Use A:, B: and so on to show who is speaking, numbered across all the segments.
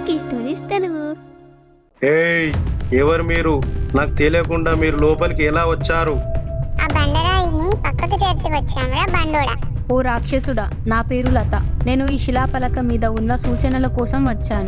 A: Lucky stories Telugu.
B: ఏయ్, ఎవరు మీరు? నాకు తెలియకుండా మీరు లోపలికి ఎలా వచ్చారు?
C: ఆ బండరాయిని పక్కకు జరిపి వచ్చామురా బండోడా.
A: ఓ రాక్షసుడా, నా పేరు లత. నేను ఈ శిలాపలక మీద ఉన్న సూచనల కోసం వచ్చాను.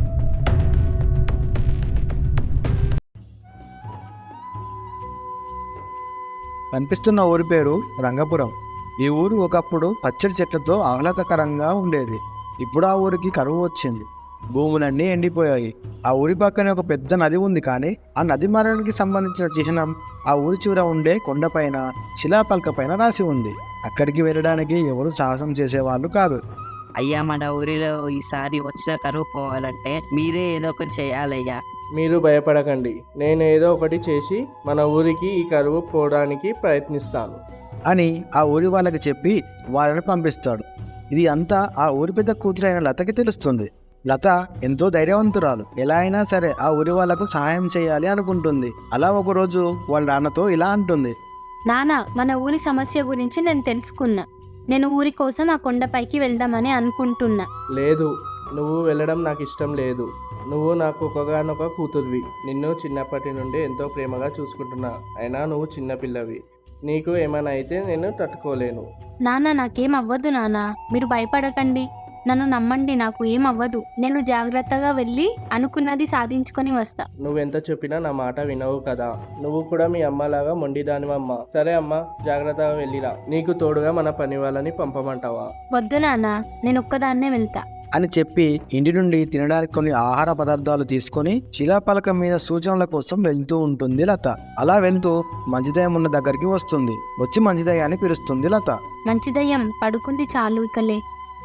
D: కనిపిస్తున్న ఊరి పేరు రంగపురం. ఈ ఊరు ఒకప్పుడు పచ్చడి చెట్లతో ఆహ్లాదకరంగా ఉండేది. ఇప్పుడు ఆ ఊరికి కరువు వచ్చింది. భూములన్నీ ఎండిపోయాయి. ఆ ఊరి పక్కనే ఒక పెద్ద నది ఉంది, కానీ ఆ నది మరణానికి సంబంధించిన చిహ్నం ఆ ఊరి చివర ఉండే కొండపైన శిలాపలక పైన రాసి ఉంది. అక్కడికి వెళ్ళడానికి ఎవరు సాహసం చేసేవాళ్ళు కాదు.
E: అయ్యా, మన ఊరిలో ఈసారి వచ్చిన కరువు పోవాలంటే మీరే ఏదో ఒకటి చేయాలయ్యా.
F: మీరు భయపడకండి, నేను ఏదో ఒకటి చేసి మన ఊరికి ఈ కరువు పోవడానికి ప్రయత్నిస్తాను
D: అని ఆ ఊరి వాళ్ళకి చెప్పి వాళ్ళని పంపిస్తాడు. ఇది అంతా ఆ ఊరి పెద్ద కూతురైన లతకి తెలుస్తుంది. లత ఎంతో ధైర్యవంతురాలు. ఎలా అయినా సరే ఆ ఊరి వాళ్లకు సహాయం చేయాలి అనుకుంటుంది. అలా ఒకరోజు వాళ్ళ నాన్నతో ఇలా అంటుంది:
A: నాన్న, మన ఊరి సమస్య గురించి నేను తెలుసుకున్నా. నేను ఊరి కోసం ఆ కొండపైకి వెళ్దామని అనుకుంటున్నా.
F: లేదు, నువ్వు వెళ్ళడం నాకు ఇష్టం లేదు. నువ్వు నాకు ఒకగానొక కూతుర్వి. నిన్ను చిన్నప్పటి నుండి ఎంతో ప్రేమగా చూసుకుంటున్నా. అయినా నువ్వు చిన్నపిల్లవి. నీకు ఏమైనా అయితే నేను తట్టుకోలేను.
A: నాన్న, నాకేం అవ్వదు నాన్న, మీరు భయపడకండి. నన్ను నమ్మండి, నాకు ఏం అవ్వదు. నేను జాగ్రత్తగా వెళ్ళి అనుకున్నది సాధించుకొని వస్తా.
F: నువ్వెంత చెప్పినా నా మాట వినవు కదా. నువ్వు కూడా మీ అమ్మలాగా మొండిదానివమ్మ. సరే అమ్మా, జాగ్రత్తగా వెళ్ళిరా. నీకు తోడుగా మన పని వాళ్ళని పంపమంటావా?
A: వద్దు నాన్న, నేను ఒక్కదాన్నే వెళ్తా
D: అని చెప్పి ఇంటి నుండి తినడానికి కొన్ని ఆహార పదార్థాలు తీసుకొని శిలాపలకం మీద సూచనల కోసం వెళ్తూ ఉంటుంది లత. అలా వెళ్తూ మంచిదయ్యం ఉన్న దగ్గరికి వస్తుంది. వచ్చి మంచిదయ్యాన్ని పిలుస్తుంది లత.
A: మంచిదయ్యం పడుకుంది చాలు, ఇకలే.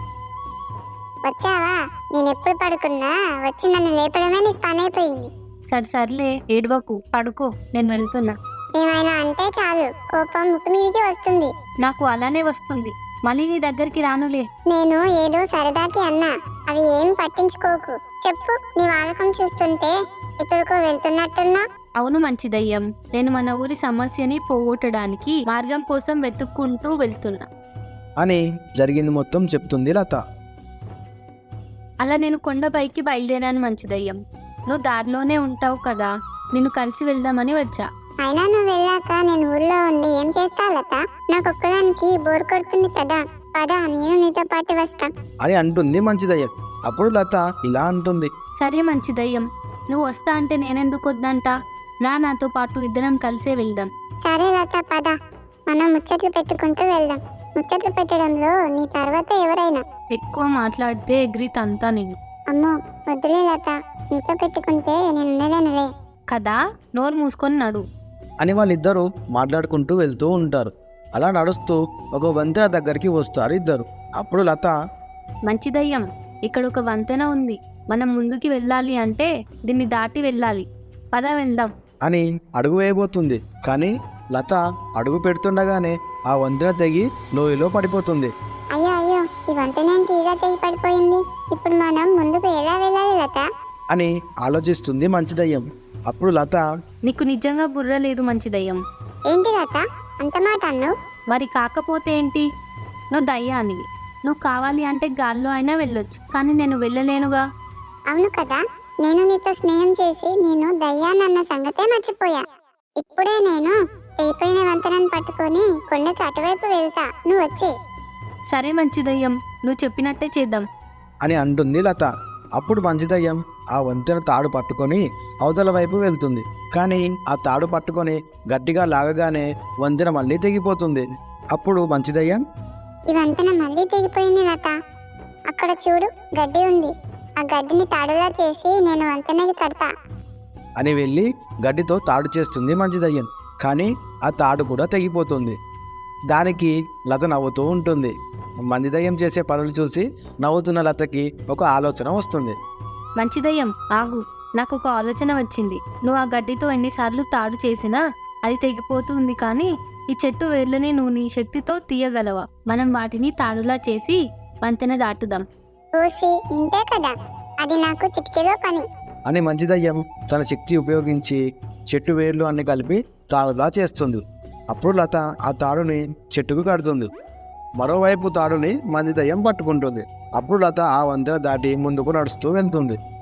C: వచ్చావా? నేను ఎప్పుడు పడుకున్నా వచ్చి నన్ను లేపడమే నీకు పని అయిపోయింది.
A: సర్లే, ఏడవకు, పడుకో, నేను వెళ్తున్నా.
C: ఏమైనా అంటే చాలు కోపం ముక్కు మీదికి వస్తుంది.
A: నాకు అలానే వస్తుంది. మళ్ళీ నీ దగ్గరికి రానులే.
C: నేను ఏదో సరదాకి అన్నా, అవి ఏం పట్టించుకోకు. చెప్పు, నీ వాలకం చూస్తుంటే ఎక్కడికో వెళ్తున్నట్టున్నా.
A: అవును మంచిదయ్యం, నేను మన ఊరి సమస్యని పోగొట్టడానికి మార్గం కోసం వెతుక్కుంటూ వెళ్తున్నా
D: అని జరిగింది మొత్తం చెప్తుంది లత.
A: అలా నేను కొండపైకి బయలుదేరాను మంచిదయ్యం. నువ్వు దారిలోనే ఉంటావు కదా, నిన్ను కలిసి వెళ్దామని వచ్చా.
C: అయినా నువ్వు వెళ్ళాక నేను ఊర్లో ఉండి ఏం చేస్తావు లత? నాకు ఒక్కదానికి బోర్ కొడుతుంది కదా. పదా, నేను నీతో పాటు వస్తా
D: అని అంటుంది మంచిదయ్యం. అప్పుడు లత ఇలా అంటుంది:
A: సరే మంచిదయ్యం, నువ్వు వస్తా అంటే నేనెందుకు వద్దంట. రా, నాతో పాటు ఇద్దరం కలిసే వెళ్దాం.
C: సరే లత, పద. మనం ముచ్చట్లు పెట్టుకుంటూ వెళ్దాం. ముచ్చట్లు పెట్టడంలో నీ తర్వాత ఎవరైనా
A: ఎక్కువ మాట్లాడితే ఎగిరితంతా నిన్ను.
C: అమ్మో, వద్దులే లత, నీతో పెట్టుకుంటే నేను ఉండలేనులే
A: కదా. నోరు మూసుకొని నడు
D: అని వాళ్ళిద్దరూ మాట్లాడుకుంటూ వెళ్తూ ఉంటారు. అలా నడుస్తూ ఒక వంతెన దగ్గరికి వస్తారు ఇద్దరు. అప్పుడు లత:
A: మంచిదయ్యం, ఇక్కడ ఒక వంతెన ఉంది. మనం ముందుకి వెళ్ళాలి అంటే దీన్ని దాటి వెళ్ళాలి. పద వెళ్దాం
D: అని అడుగు వేయబోతుంది. కానీ లత అడుగు పెడుతుండగానే ఆ వంతెన తెగి లోయలో పడిపోతుంది.
C: అయ్యో అయ్యో, ఈ వంతెన తీరా తెగి పడిపోయింది. ఇప్పుడు మనం ముందుకు ఎలా వెళ్ళాలి లత?
D: అని ఆలోచిస్తుంది మంచిదయ్యం. అప్పుడు లత:
A: నీకు నిజంగా బుర్ర లేదు మంచిదయ్యం.
C: ఏంటి లత అంత మాట అన్నావు?
A: మరి కాకపోతే ఏంటి? నువ్వు దయ్యానివి. నువ్వు కావాలి అంటే గాల్లో అయినా వెళ్ళొచ్చు, కానీ నేను వెళ్ళలేనుగా.
C: అవును కదా, నేను నీతో స్నేహం చేసి నేను దయ్యానన్న సంగతే మర్చిపోయా. ఇప్పుడే నేను తెగిపోయిన వంతెనను పట్టుకొని కొండకు అటువైపు వెళ్తా, నువ్వు వచ్చే.
A: సరే మంచిదయ్యం, నువ్వు చెప్పినట్టే చేద్దాం
D: అని అంటుంది లత. అప్పుడు మంచిదయ్యం ఆ వంతెన తాడు పట్టుకొని అవతల వైపు వెళ్తుంది. కానీ ఆ తాడు పట్టుకొని గట్టిగా లాగగానే వంతెన మళ్ళీ తెగిపోతుంది. అప్పుడు మంచిదయ్యం:
C: ఈ వంతెన మళ్ళీ తెగిపోయింది లత. అక్కడ చూడు, గడ్డి ఉంది. ఆ గడ్డిని తాడులా చేసి నేను వంతెనకి కడతా
D: అని వెళ్ళి గడ్డితో తాడు చేస్తుంది మంచిదయ్యం. కానీ ఆ తాడు కూడా తెగిపోతుంది. దానికి లత నవ్వుతూ ఉంటుంది. మంచిదయ్యం చేసే పనులు చూసి నవ్వుతున్న లతకి ఒక ఆలోచన వస్తుంది.
A: మంచిదయ్యం, ఆగు, నాకు ఒక ఆలోచన వచ్చింది. నువ్వు ఆ గడ్డితో ఎన్నిసార్లు తాడు చేసినా అది తెగిపోతుంది, కానీ ఈ చెట్టు వేర్లని నువ్వు నీ శక్తితో తీయగలవా? మనం వాటిని తాడులా చేసి వంతెన దాటుదాం.
C: ఓసి, ఇంతే కదా, అది నాకు చిటికెలో పని
D: అని మంచిదయ్యం తన శక్తి ఉపయోగించి చెట్టు వేర్లు అన్ని కలిపి తాడులా చేస్తుంది. అప్పుడు లత ఆ తాడుని చెట్టుకు కడుతుంది. మరోవైపు తాడుని మంచిదయ్యం పట్టుకుంటుంది. అప్పుడు లత ఆ వంతెన దాటి ముందుకు నడుస్తూ వెళ్తుంది.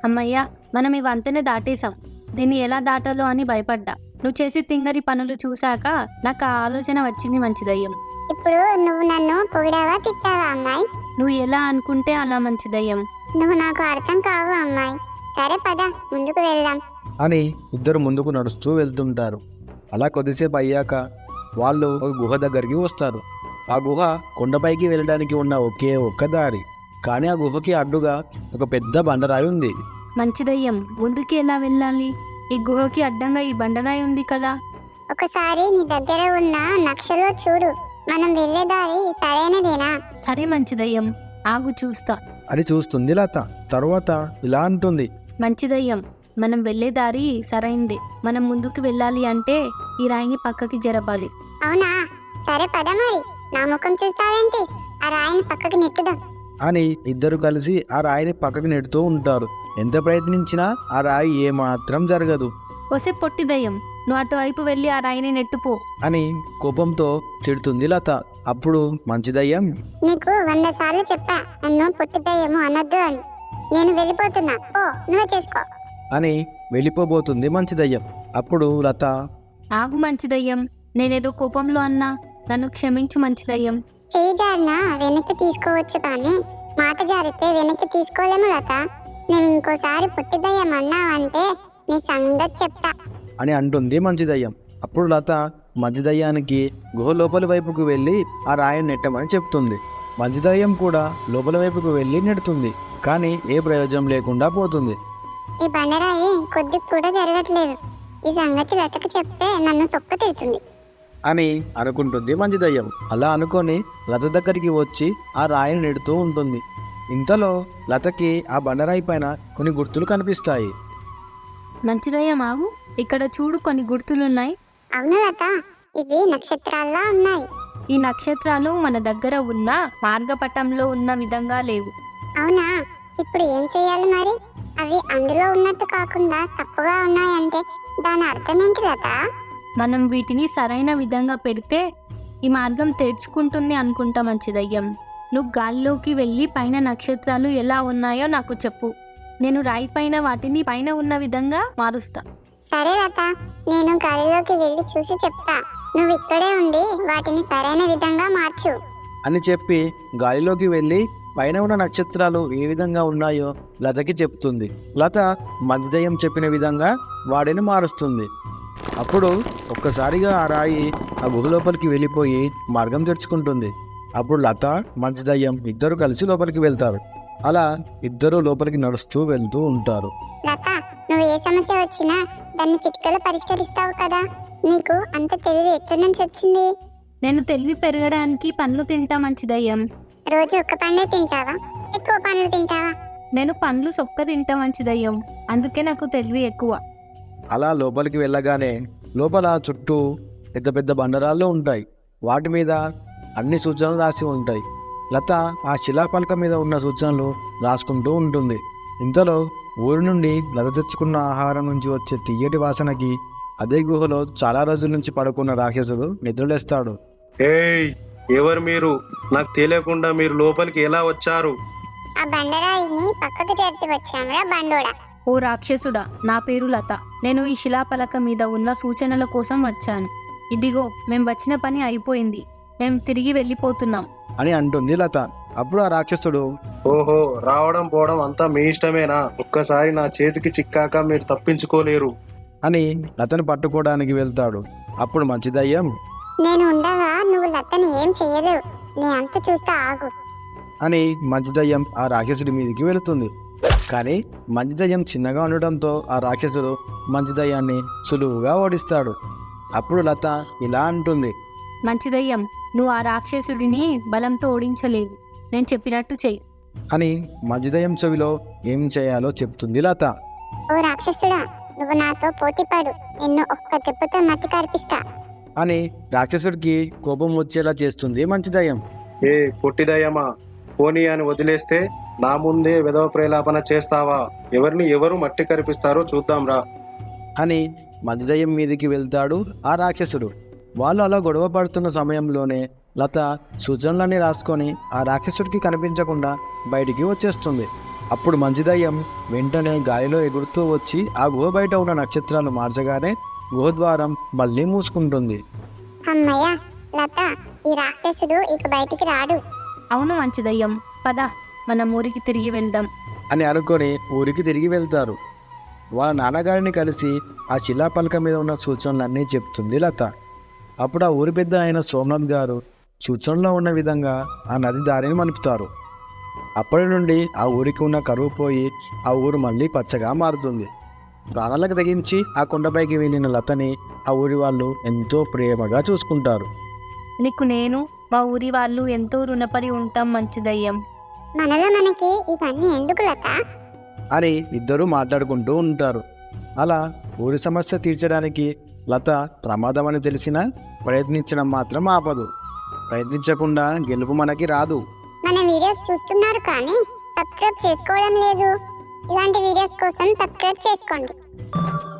A: అమ్మయ్యా, మనం ఈ వంతెన దాటేశాం. దీన్ని ఎలా దాటాలో అని భయపడ్డా. నువ్వు చేసి తింగరి పనులు చూశాక నాకు ఆ ఆలోచన వచ్చింది మంచిదయ్యం.
C: ఇప్పుడు నువ్వు నన్ను పొగిడావా తిట్టావా అమ్మాయి?
A: నువ్వు ఎలా అనుకుంటే అలా మంచిదయ్యం.
C: నువ్వు నాకు అర్థం కావు అమ్మాయి. సరే పద, ముందుకు వెళ్దాం.
D: అని ఇద్దరు ముందుకు నడుస్తూ వెళ్తుంటారు. అలా కొద్దిసేపు అయ్యాక వాళ్ళు ఒక గుహ దగ్గరికి వస్తారు. ఆ గుహ కొండపైకి వెళ్ళడానికి ఉన్న ఒకే ఒక్క దారి. కానీ ఆ గుహకి అడ్డుగా ఒక పెద్ద బండరాయి ఉంది.
A: మంచిదయ్యం, ముందుకి ఎలా వెళ్ళాలి? ఈ గుహకి అడ్డంగా ఈ బండరాయి ఉంది కదా.
C: ఒకసారి నీ దగ్గర ఉన్న నక్షలో చూడు. మనం వెళ్ళే దారి సరైనదేనా?
A: సరే మంచిదయ్యం, ఆగు చూస్తా.
D: అని చూస్తుంది లత. తరువాత ఇలా అంటుంది.
A: మంచిదయ్యం, మనం వెళ్ళే దారి సరైందే. మనం ముందుకు వెళ్ళాలి అంటే ఈ రాయిని పక్కకి జరపాలి.
C: అవునా? సరే పద మరి. నా ముఖం చూస్తావేంటి? ఆ రాయిని పక్కకి నెట్టుదాం.
D: అని ఇద్దరు కలిసి ఆ రాయిని పక్కకి నెడుతూ ఉంటారు. ఎంత ప్రయత్నించినా ఆ రాయి ఏమాత్రం జరగదు.
A: ఒసే పొట్టిదయ్యం, నువ్వు అటువైపు వెళ్ళి ఆ రాయిని నెట్టుపో.
D: అని కోపంతో తిడుతుంది లత. అప్పుడు మంచిదయ్యం,
C: నీకు 100 సార్లు చెప్పా నన్ను పొట్టిదయ్యము అనొద్దు అని. నేను వెళ్ళిపోతున్నా, ఓ నువ్వే చేసుకో.
D: అని వెళ్ళిపోబోతుంది మంచిదయ్యం. అప్పుడు లత,
A: ఆగు మంచిదయ్యం, నేనేదో కోపంలో అన్నా, నన్ను క్షమించు మంచిదయ్యం.
C: చేయి జారిన వెనక్కి తీసుకోవచ్చు కానీ మాట జారితే వెనక్కి తీసుకోలేము లత. నేను ఇంకోసారి పొట్టిదయ్యం అన్నావంటే నీ సంగతి చెప్తా.
D: అని అంటుంది మంచిదయ్యం. అప్పుడు లత మంచిదయ్యానికి గుహ లోపలి వైపుకు వెళ్ళి ఆ రాయిని నెట్టమని చెప్తుంది. మంచిదయ్యం కూడా లోపల వైపుకు వెళ్ళి నెడుతుంది. కానీ ఏ ప్రయోజనం లేకుండా పోతుంది.
C: ఈ బండరాయి కొద్దిగా కూడా జరగట్లేదు. ఈ సంగతి లతకు చెప్తే నన్ను సొక్క తిడుతుంది
D: అని అనుకుంటుంది మంచిదయ్యం. అలా అనుకొని లత దగ్గరికి వచ్చి ఆ రాయిని నెడుతూ ఉంటుంది. ఇంతలో లతకి ఆ బండరాయి పైన కొన్ని గుర్తులు కనిపిస్తాయి.
A: మంచిదయ్యం ఆగు, ఇక్కడ చూడు కొన్ని గుర్తులున్నాయి.
C: అవును లత, ఇవి నక్షత్రాల్లా ఉన్నాయి.
A: ఈ నక్షత్రాలు మన దగ్గర ఉన్న మార్గపటంలో ఉన్న విధంగా లేవు.
C: అవునా? ఇప్పుడు ఏం చేయాలి మరి? అవి అందులో ఉన్నట్టు కాకుండా తప్పుగా ఉన్నాయంటే దాని అర్థం ఏంటి లత?
A: మనం వీటిని సరైన విధంగా పెడితే ఈ మార్గం తెరుచుకుంటుంది అనుకుంటా మంచిదయ్యం. నువ్వు గాలిలోకి వెళ్ళి పైన నక్షత్రాలు ఎలా ఉన్నాయో నాకు చెప్పు. నేను రాయి పైన వాటిని పైన ఉన్న విధంగా మారుస్తా.
C: సరే లత, నేను గాలిలోకి వెళ్ళి చూసి చెప్తా. నువ్వు ఇక్కడే ఉండి వాటిని సరైన విధంగా మార్చు.
D: అని చెప్పి గాలిలోకి వెళ్ళి పైన ఉన్న నక్షత్రాలు ఏ విధంగా ఉన్నాయో లతకి చెప్తుంది. లత మంచిదయ్యం చెప్పిన విధంగా వాడిని మారుస్తుంది. అప్పుడు ఒక్కసారిగా ఆ రాయి ఆ గుహ లోపలికి వెళ్ళిపోయి మార్గం తెరుచుకుంటుంది. అప్పుడు లత మంచిదయ్యం ఇద్దరు కలిసి లోపలికి వెళ్తారు. అలా ఇద్దరు లోపలికి నడుస్తూ వెళ్తూ ఉంటారు.
C: లత, నువ్వు ఏ సమస్య వచ్చినా దాన్ని చిటికలో పరిష్కరిస్తావు కదా. నీకు అంత తెలివి ఎక్కడి నుంచి వచ్చింది?
A: నేను తెలివి పెరగడానికి పండ్లు తింటా మంచిదయ్యం.
C: రోజు ఒక్క పండే తింటావా? ఎక్కువ పండ్లు తింటావా?
A: నేను పండ్లు సొక్క తింటా మంచిదయ్యం, అందుకే నాకు తెలివి ఎక్కువ.
D: అలా లోపలికి వెళ్ళగానే లోపల చుట్టూ పెద్ద పెద్ద బండరాళ్ళు ఉంటాయి. వాటి మీద అన్ని సూచనలు రాసి ఉంటాయి. లత ఆ శిలాపలక మీద ఉన్న సూచనలు రాసుకుంటూ ఉంటుంది. ఇంతలో ఊరి నుండి లత తెచ్చుకున్న ఆహారం నుంచి వచ్చే తియ్యటి వాసనకి అదే గుహలో చాలా రోజుల నుంచి పడుకున్న రాక్షసుడు నిద్రలేస్తాడు.
B: ఏయ్, ఎవరు మీరు? నాకు తెలియకుండా మీరు లోపలికి ఎలా వచ్చారు?
C: ఆ బండరాయిని పక్కకు జరిపి వచ్చామురా బండోడా.
A: ఓ రాక్షసుడా, నా పేరు లత. నేను ఈ శిలాపలక మీద ఉన్న సూచనల కోసం వచ్చాను. ఇదిగో, మేం వచ్చిన పని అయిపోయింది. మేం తిరిగి వెళ్ళిపోతున్నాం
D: అని అంటుంది లత. అప్పుడు ఆ రాక్షసుడు,
B: ఓహో, రావడం పోవడం అంతా మీ ఇష్టమేనా? ఒక్కసారి నా చేతికి చిక్కాక మీరు తప్పించుకోలేరు
D: అని లతను పట్టుకోవడానికి వెళ్తాడు. అప్పుడు మంచిదయ్యం,
C: నేను ఉండగా నువ్వు లతని ఏం చెయ్యలేవు. నీ అంత చూస్తా, ఆగు.
D: అని మంచిదయ్యం ఆ రాక్షసుడి మీదకి వెళుతుంది. కానీ మంచిదయ్యం చిన్నగా ఉండడంతో ఆ రాక్షసుడు మంచిదయ్యాన్ని సులువుగా ఓడిస్తాడు. అప్పుడు లత ఇలా అంటుంది,
A: మంచిదయ్యం, నువ్వు ఆ రాక్షసుడిని బలంతో ఓడించలేవు. నేను చెప్పినట్టు చెయ్యి.
D: అని మంచిదయ్యం చెవిలో ఏం చేయాలో చెప్తుంది లత.
C: ఓ రాక్షసుడా, నువ్వు నాతో పోటీ పడు. నిన్ను ఒక్క దెబ్బతో మట్టి కరిపిస్తా.
D: అని రాక్షసుడికి కోపం వచ్చేలా చేస్తుంది మంచిదయ్యం.
B: ఏ పొట్టిదయ్యమా, పోనీ అని వదిలేస్తే నా ముందే విధవ ప్రేలాపన చేస్తావా? ఎవరు మట్టి కరిపిస్తారో చూద్దాంరా
D: అని మంచిదయ్యం మీదికి వెళ్తాడు ఆ రాక్షసుడు. వాళ్ళు అలా గొడవ పడుతున్న సమయంలోనే లత సూచనలన్నీ రాసుకొని ఆ రాక్షసుడికి కనిపించకుండా బయటికి వచ్చేస్తుంది. అప్పుడు మంచి దయ్యం వెంటనే గాలిలో ఎగురుతూ వచ్చి ఆ గుహ బయట ఉన్న నక్షత్రాలు మార్చగానే గుహ ద్వారం మళ్ళీ మూసుకుంటుంది.
C: అమ్మయ్య లత, ఈ రాక్షసుడు ఇక బయటికి రాడు.
A: అవును మంచి దయ్యం, పద మనం ఊరికి తిరిగి వెళ్దాం.
D: అని అనుకొని ఊరికి తిరిగి వెళ్తారు. వాళ్ళ నాన్నగారిని కలిసి ఆ శిలాపలక మీద ఉన్న సూచనలన్నీ చెప్తుంది లత. అప్పుడు ఆ ఊరి పెద్ద అయిన సోమనాథ్ గారు సూచనలో ఉన్న విధంగా ఆ నది దారిని మలుపుతారు. అప్పటి నుండి ఆ ఊరికి ఉన్న కరువు పోయి ఆ ఊరు మళ్ళీ పచ్చగా మారుతుంది. ప్రాణాలకు తెగించి ఆ కొండపైకి వెళ్ళిన లతని ఆ ఊరి వాళ్ళు ఎంతో ప్రేమగా చూసుకుంటారు.
A: నీకు నేను మా ఊరి వాళ్ళు ఎంతో రుణపడి ఉంటాం మంచి దయ్యం.
C: మనలో మనకి ఇవన్నీ ఎందుకు లత?
D: అని ఇద్దరూ మాట్లాడుకుంటూ ఉంటారు. అలా ఊరి సమస్య తీర్చడానికి లత ప్రమాదం అని తెలిసినా ప్రయత్నించడం మాత్రం ఆపదు. ప్రయత్నించకుండా గెలుపు మనకి రాదు.
C: మన వీడియోస్ చూస్తున్నారు కానీ సబ్స్క్రైబ్ చేసుకోవడం లేదు. ఇలాంటి వీడియోస్ కోసం సబ్స్క్రైబ్ చేసుకోండి.